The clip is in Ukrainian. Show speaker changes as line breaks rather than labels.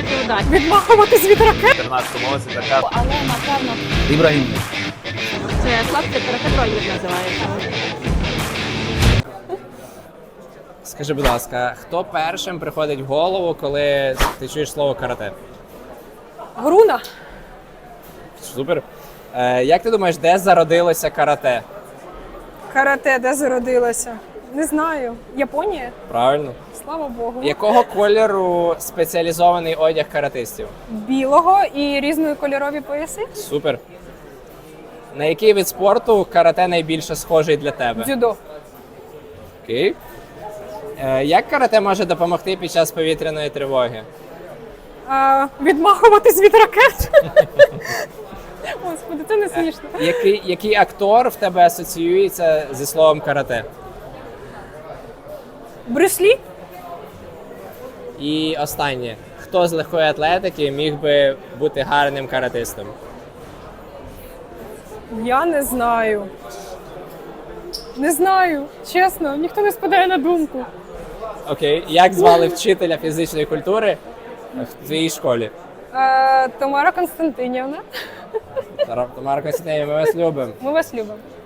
і удачі.
Відмахуватись від ракет.
14 році така.
Але, напевно,
Ібрагім.
це хлопці карате-тройник називається.
Скажи, будь ласка, хто першим приходить в голову, коли ти чуєш слово карате?
Груна.
Супер. Як ти думаєш, де зародилося карате?
Карате, де зародилося? Не знаю. Японія?
Правильно.
Слава Богу.
Якого кольору спеціалізований одяг каратистів?
Білого і різнокольорові пояси?
Супер. На який вид спорту карате найбільше схожий для тебе?
Дзюдо.
Окей. Як карате може допомогти під час повітряної тривоги?
Відмахуватись від ракет. Господи, це не смішно.
Який актор в тебе асоціюється зі словом карате?
Брюс Лі?
І останнє. Хто з легкої атлетики міг би бути гарним каратистом?
Я не знаю. Не знаю. Чесно, ніхто не спадає на думку.
Окей. Як звали вчителя фізичної культури в твоїй школі?
Тамара Константинівна.
Тамара Костянтинівна, ми вас любимо.
Ми вас любимо.